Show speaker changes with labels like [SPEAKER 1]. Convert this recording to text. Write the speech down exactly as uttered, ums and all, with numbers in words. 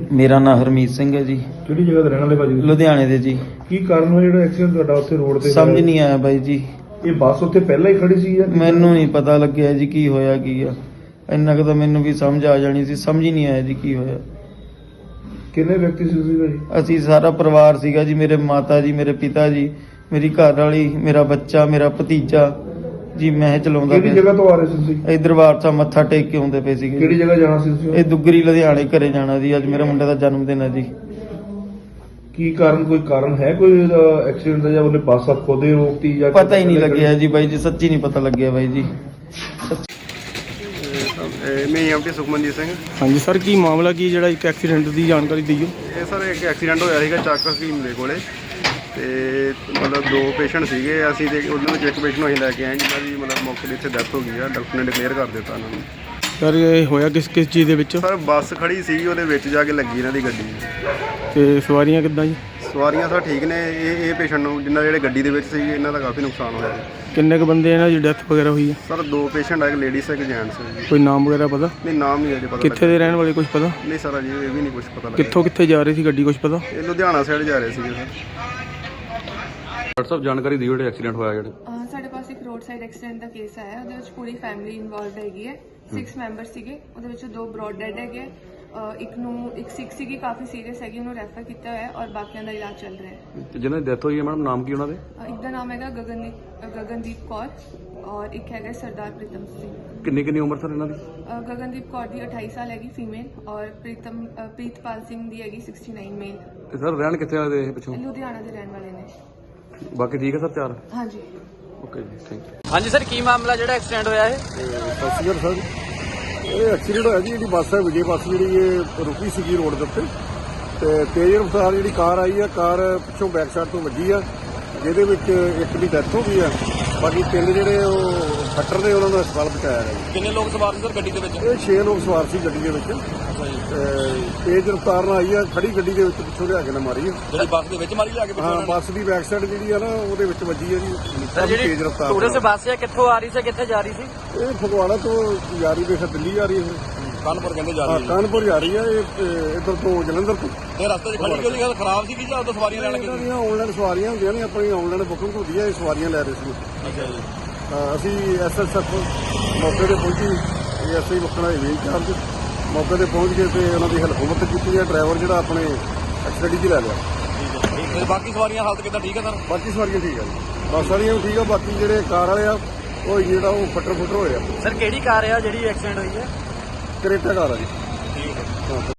[SPEAKER 1] ਮੇਰਾ ਨਾਮ ਹਰਮੀਤ ਸਿੰਘ ਹੈ ਜੀ।
[SPEAKER 2] ਕਿਹੜੀ ਜਗ੍ਹਾ ਤੇ ਰਹਿਣ ਵਾਲੇ ਭਾਜੀ?
[SPEAKER 1] ਲੁਧਿਆਣੇ ਦੇ ਜੀ।
[SPEAKER 2] ਕੀ ਕਾਰਨ ਹੋਇਆ ਜਿਹੜਾ ਐਕਸੀਡੈਂਟ ਤੁਹਾਡਾ ਉੱਥੇ ਰੋਡ ਤੇ
[SPEAKER 1] ਸਮਝ ਨਹੀਂ ਆਇਆ ਬਾਈ ਜੀ।
[SPEAKER 2] ਇਹ ਬੱਸ ਉੱਥੇ ਪਹਿਲਾਂ ਹੀ ਖੜੀ ਸੀ ਜਾਂ
[SPEAKER 1] ਮੈਨੂੰ ਨਹੀਂ ਪਤਾ ਲੱਗਿਆ ਜੀ ਕੀ ਹੋਇਆ ਕੀ ਆ। ਇੰਨਾ ਕੁ ਤਾਂ ਮੈਨੂੰ ਵੀ ਸਮਝ ਆ ਜਾਣੀ ਸੀ, ਸਮਝ ਹੀ ਨਹੀਂ ਆਇਆ ਜੀ ਕੀ ਹੋਇਆ।
[SPEAKER 2] ਕਿੰਨੇ ਵਿਅਕਤੀ ਸੀ ਤੁਸੀਂ ਭਾਜੀ?
[SPEAKER 1] ਅਸੀਂ ਸਾਰਾ ਪਰਿਵਾਰ ਸੀਗਾ ਜੀ। ਮੇਰੇ ਮਾਤਾ ਜੀ, ਮੇਰੇ ਪਿਤਾ ਜੀ, ਮੇਰੀ ਘਰ ਵਾਲੀ, ਮੇਰਾ ਬੱਚਾ, ਮੇਰਾ ਭਤੀਜਾ ਜੀ। ਮੈਂ ਚਲਾਉਂਦਾ
[SPEAKER 2] ਕਿਹੜੀ ਜਗ੍ਹਾ ਤੋਂ ਆ ਰਹੇ ਸੀ ਤੁਸੀਂ?
[SPEAKER 1] ਇਹ ਦਰਬਾਰ ਸਾਹਿਬ ਮੱਥਾ ਟੇਕ ਕੇ ਆਉਂਦੇ ਪਏ ਸੀਗੇ।
[SPEAKER 2] ਕਿਹੜੀ ਜਗ੍ਹਾ ਜਾਣਾ ਸੀ ਤੁਸੀਂ?
[SPEAKER 1] ਇਹ ਦੁੱਗਰੀ ਲੁਧਿਆਣੇ ਘਰੇ ਜਾਣਾ ਜੀ। ਅੱਜ ਮੇਰੇ ਮੁੰਡੇ ਦਾ ਜਨਮ ਦਿਨ ਹੈ ਜੀ।
[SPEAKER 2] ਕੀ ਕਾਰਨ, ਕੋਈ ਕਾਰਨ ਹੈ ਕੋਈ ਐਕਸੀਡੈਂਟ ਦਾ, ਜਾਂ ਉਹਨੇ ਬੱਸ ਆਪ ਖੋਦੇ ਰੋਕਤੀ ਜਾਂ
[SPEAKER 1] ਪਤਾ ਹੀ ਨਹੀਂ ਲੱਗਿਆ ਜੀ ਬਾਈ ਜੀ, ਸੱਚੀ ਨਹੀਂ ਪਤਾ ਲੱਗਿਆ ਬਾਈ ਜੀ।
[SPEAKER 3] ਮੈਂ ਐਮਟੀ ਸੁਖਮਨਜੀਤ ਸਿੰਘ।
[SPEAKER 4] ਹਾਂਜੀ ਸਰ, ਕੀ ਮਾਮਲਾ ਕੀ ਜਿਹੜਾ ਇੱਕ ਐਕਸੀਡੈਂਟ ਦੀ ਜਾਣਕਾਰੀ ਦਿਓ।
[SPEAKER 3] ਇਹ ਸਰ ਇੱਕ ਐਕਸੀਡੈਂਟ ਹੋਇਆ ਸੀਗਾ ਚੱਕ ਹਕੀਮ ਦੇ ਕੋਲੇ, ਤੇ ਮਤਲਬ ਦੋ ਪੇਸ਼ੈਂਟ ਸੀਗੇ ਅਸੀਂ, ਤੇ ਉਹਨਾਂ ਵਿੱਚ ਇੱਕ ਪੇਸ਼ੈਂਟ ਨੂੰ ਅਸੀਂ ਲੈ ਕੇ ਆਏ ਜਿਨ੍ਹਾਂ ਦੀ ਮਤਲਬ ਮੌਕੇ 'ਤੇ ਇੱਥੇ ਡੈਥ ਹੋ ਗਈ ਆ। ਡਾਕਟਰ ਨੇ ਡਿਕਲੇਅਰ ਕਰ ਦਿੱਤਾ ਉਹਨਾਂ ਨੂੰ।
[SPEAKER 4] ਸਰ ਇਹ ਹੋਇਆ ਕਿਸ ਕਿਸ ਚੀਜ਼ ਦੇ ਵਿੱਚ?
[SPEAKER 3] ਸਰ ਬੱਸ ਖੜੀ ਸੀਗੀ, ਉਹਦੇ ਵਿੱਚ ਜਾ ਕੇ ਲੱਗੀ ਇਹਨਾਂ ਦੀ ਗੱਡੀ।
[SPEAKER 4] ਤੇ ਸਵਾਰੀਆਂ ਕਿੱਦਾਂ ਜੀ?
[SPEAKER 3] ਸਵਾਰੀਆਂ ਸਰ ਠੀਕ ਨੇ। ਇਹ ਇਹ ਪੇਸ਼ੈਂਟ ਨੂੰ ਜਿਨ੍ਹਾਂ ਜਿਹੜੇ ਗੱਡੀ ਦੇ ਵਿੱਚ ਸੀਗੇ ਇਹਨਾਂ ਦਾ ਕਾਫੀ ਨੁਕਸਾਨ ਹੋਇਆ ਜੀ।
[SPEAKER 4] ਕਿੰਨੇ ਕੁ ਬੰਦੇ ਇਹਨਾਂ ਦੀ ਡੈਥ ਵਗੈਰਾ ਹੋਈ ਹੈ?
[SPEAKER 3] ਸਰ ਦੋ ਪੇਸ਼ੈਂਟ ਆ, ਇੱਕ ਲੇਡੀਜ਼ ਇੱਕ ਜੈਂਟਸ ਹੈ ਜੀ।
[SPEAKER 4] ਕੋਈ ਨਾਮ ਵਗੈਰਾ ਪਤਾ?
[SPEAKER 3] ਨਹੀਂ ਨਾਮ ਨਹੀਂ ਅਜੇ ਪਤਾ।
[SPEAKER 4] ਕਿੱਥੇ ਦੇ ਰਹਿਣ ਵਾਲੇ ਕੁਝ ਪਤਾ?
[SPEAKER 3] ਨਹੀਂ ਸਰ ਅਜੇ ਇਹ ਵੀ ਨਹੀਂ ਕੁਝ ਪਤਾ ਲੱਗਿਆ।
[SPEAKER 4] ਕਿੱਥੋਂ ਕਿੱਥੇ ਜਾ ਰਹੀ ਸੀ ਗੱਡੀ, ਕੁਝ ਪਤਾ?
[SPEAKER 3] ਇਹ ਲੁਧਿਆਣਾ ਸਾਈਡ ਜਾ ਰਹੇ ਸੀਗੇ ਸਰ।
[SPEAKER 5] ਡਾਕਟਰ ਸਾਹਿਬ ਜਾਣਕਾਰੀ ਦਿਓ ਜਿਹੜੇ ਐਕਸੀਡੈਂਟ ਹੋਇਆ ਜਿਹੜੇ।
[SPEAKER 6] ਅਹ ਸਾਡੇ ਪਾਸ ਇੱਕ ਰੋਡ ਸਾਈਡ ਐਕਸੀਡੈਂਟ ਦਾ ਕੇਸ ਆਇਆ। ਉਹਦੇ ਵਿੱਚ ਪੂਰੀ ਫੈਮਿਲੀ ਇਨਵੋਲਵਡ ਹੈਗੀ ਹੈ। ਸਿਕਸ ਮੈਂਬਰ ਸੀਗੇ, ਉਹਦੇ ਵਿੱਚੋਂ ਦੋ ਬ੍ਰੌਡ ਡੈਡ ਹੈਗੇ। ਅਹ ਇੱਕ ਨੂੰ ਇੱਕ ਸਿਕ ਸੀਗੀ, ਕਾਫੀ ਸੀਰੀਅਸ ਹੈਗੀ, ਉਹਨੂੰ ਰੈਫਰ ਕੀਤਾ ਹੋਇਆ ਹੈ ਔਰ ਬਾਕੀਆਂ ਦਾ ਇਲਾਜ ਚੱਲ ਰਿਹਾ ਹੈ।
[SPEAKER 5] ਤੇ ਜਿਹਨਾਂ ਦੀ ਡੈਥ ਹੋਈ ਹੈ ਮੈਡਮ, ਨਾਮ ਕੀ ਉਹਨਾਂ ਦੇ?
[SPEAKER 6] ਅਹ ਇੱਕ ਦਾ ਨਾਮ ਹੈਗਾ ਗਗਨਦੀਪ ਅਹ ਗਗਨਦੀਪ ਕੌਰ ਔਰ ਇੱਕ ਹੈਗਾ ਸਰਦਾਰ ਪ੍ਰੀਤਮ ਸਿੰਘ।
[SPEAKER 5] ਕਿੰਨੀ ਕਿੰਨੀ ਉਮਰ ਸਰ ਇਹਨਾਂ ਦੀ?
[SPEAKER 6] ਅਹ ਗਗਨਦੀਪ ਕੌਰ ਦੀ ਅਠਾਈ ਸਾਲ ਹੈਗੀ ਫੀਮੇਲ ਔਰ ਪ੍ਰੀਤਮ ਅਹ ਪ੍ਰੀਤਪਾਲ ਸਿੰਘ ਦੀ ਹੈਗੀ ਉਨਿਆਸੀ ਮੇਲ।
[SPEAKER 5] ਤੇ ਸਰ ਰਹਿਣ ਕਿੱਥੇ ਵਾਲੇ ਦੇ ਇਹ ਪਿੱਛੋਂ?
[SPEAKER 6] ਲੁਧਿਆਣਾ ਦੇ ਰਹਿਣ ਵਾਲੇ ਨੇ।
[SPEAKER 5] ਬਾਕੀ ਠੀਕ ਹੈ ਸਰ ਚਾਰ?
[SPEAKER 6] ਹਾਂਜੀ।
[SPEAKER 5] ਓਕੇ ਜੀ, ਥੈਂਕ ਯੂ।
[SPEAKER 7] ਹਾਂਜੀ ਸਰ, ਕੀ ਮਾਮਲਾ ਜਿਹੜਾ ਐਕਸੀਡੈਂਟ ਹੋਇਆ ਇਹ?
[SPEAKER 2] ਸਤਿ ਸ਼੍ਰੀ ਅਕਾਲ ਸਰ। ਇਹ ਐਕਸੀਡੈਂਟ ਹੋਇਆ ਜੀ, ਜਿਹੜੀ ਬੱਸ ਹੈ ਵਿਜੇ ਬੱਸ, ਜਿਹੜੀ ਇਹ ਰੁਕੀ ਸੀਗੀ ਰੋਡ ਦੇ ਉੱਤੇ, ਤੇ ਤੇਜ਼ ਰਫ਼ਤਾਰ ਜਿਹੜੀ ਕਾਰ ਆਈ ਆ, ਕਾਰ ਪਿੱਛੋਂ ਬੈਕ ਸਾਈਡ ਤੋਂ ਵੱਜੀ ਆ, ਜਿਹਦੇ ਵਿੱਚ ਇੱਕ ਦੀ ਡੈਥ ਹੋ ਗਈ ਆ। ਬਾਕੀ ਤਿੰਨ ਜਿਹੜੇ ਉਹ ਫੱਟਰ ਨੇ, ਉਹਨਾਂ ਨੂੰ ਹਸਪਤਾਲ ਪਹੁੰਚਾਇਆ ਗਿਆ।
[SPEAKER 7] ਕਿੰਨੇ ਲੋਕ ਸਵਾਰ ਸੀ ਸਰ ਗੱਡੀ ਦੇ ਵਿੱਚ?
[SPEAKER 2] ਇਹ ਛੇ ਲੋਕ ਸਵਾਰ ਸੀ ਗੱਡੀ ਦੇ ਵਿੱਚ। ਤੇਜ਼ ਰਫ਼ਤਾਰ ਨਾਲ ਆਈ ਆ, ਖੜੀ ਗੱਡੀ ਦੇ ਵਿੱਚ ਪਿੱਛੋਂ ਲਿਆ ਕੇ ਨਾ ਮਾਰੀ ਆ।
[SPEAKER 7] ਜਿਹੜੀ ਬੱਸ ਦੇ ਵਿੱਚ ਮਾਰੀ ਜਾ ਕੇ?
[SPEAKER 2] ਹਾਂ, ਬੱਸ ਦੀ ਬੈਕ ਸਾਈਡ ਜਿਹੜੀ ਆ ਨਾ, ਉਹਦੇ ਵਿੱਚ ਵੱਜੀ ਆ ਜੀ।
[SPEAKER 7] ਸਰ ਜਿਹੜੀ
[SPEAKER 2] ਤੇਜ਼ ਰਫ਼ਤਾਰ
[SPEAKER 7] ਟੂਰਿਸਟ ਬੱਸ ਹੈ ਕਿੱਥੋਂ ਆ ਰਹੀ ਸੀ, ਕਿੱਥੇ ਜਾ ਰਹੀ ਸੀ?
[SPEAKER 2] ਇਹ ਫਗਵਾੜਾ ਤੋਂ ਜਾ ਰਹੀ ਦੇਖਾ ਦਿੱਲੀ ਜਾ ਰਹੀ ਹੈ।
[SPEAKER 7] ਕਾਨਪੁਰ ਕਹਿੰਦੇ ਜਾ
[SPEAKER 2] ਹਾਂ,
[SPEAKER 7] ਰਹੀ ਹੈ।
[SPEAKER 2] ਕਾਨਪੁਰ ਜਾ ਰਹੀ ਆ। ਇਹ ਇੱਧਰ ਤੋਂ ਜਲੰਧਰ ਤੋਂ।
[SPEAKER 7] ਇਹ ਰਸਤੇ 'ਚ ਖੜੀ ਕਿਉਂ ਖਰਾਬ ਸੀ ਜਾਂ ਉਦੋਂ ਸਵਾਰੀਆਂ ਲੈਣ
[SPEAKER 2] ਇਹਨਾਂ
[SPEAKER 7] ਗਏ?
[SPEAKER 2] ਦੀਆਂ ਆਨਲਾਈਨ ਸਵਾਰੀਆਂ ਹੁੰਦੀਆਂ ਨੇ, ਆਪਣੀ ਆਨਲਾਈਨ ਬੁਕਿੰਗ ਹੁੰਦੀ ਹੈ, ਇਹ ਸਵਾਰੀਆਂ ਲੈ ਰਹੇ ਸੀ।
[SPEAKER 7] ਅੱਛਾ ਜੀ।
[SPEAKER 2] ਅਸੀਂ ਐਸਐਸਐਫ ਮੌਕੇ ਤੇ ਪਹੁੰਚੀ, ਐਸਆਈ ਮੱਖਣਾ ਦੇ ਇੰਚਾਰਜ ਮੌਕੇ ਤੇ ਪਹੁੰਚ ਕੇ ਤੇ ਉਹਨਾਂ ਦੀ ਹੈਲਪ ਮਦਦ ਕੀਤੀ ਹੈ। ਡਰਾਈਵਰ ਜਿਹੜਾ ਆਪਣੇ ਐਕਸੀਡੈਂਟ 'ਚ ਲੈ ਲਿਆ।
[SPEAKER 7] ਠੀਕ ਹੈ। ਬਾਕੀ ਸਵਾਰੀਆਂ ਹਾਲਤ ਕਿੱਦਾਂ, ਠੀਕ ਹੈ ਸਰ?
[SPEAKER 2] ਬਾਕੀ ਸਵਾਰੀਆਂ ਠੀਕ ਆ ਜੀ, ਬੱਸ ਵਾਲੀਆਂ ਵੀ ਠੀਕ ਆ। ਬਾਕੀ ਜਿਹੜੇ ਕਾਰ ਵਾਲੇ ਆ, ਉਹ ਜਿਹੜਾ ਉਹ ਫੱਟਰ ਫੁੱਟਰ ਹੋਏ ਆ।
[SPEAKER 7] ਸਰ ਕਿਹੜੀ ਕਾਰ ਆ ਜਿਹੜੀ ਐਕਸੀਡੈਂਟ ਹੋਈ ਹੈ?
[SPEAKER 2] ਕਰੇਟਾ ਕਾਰ ਆ ਜੀ।
[SPEAKER 7] ਠੀਕ ਹੈ।
[SPEAKER 2] ਹਾਂ।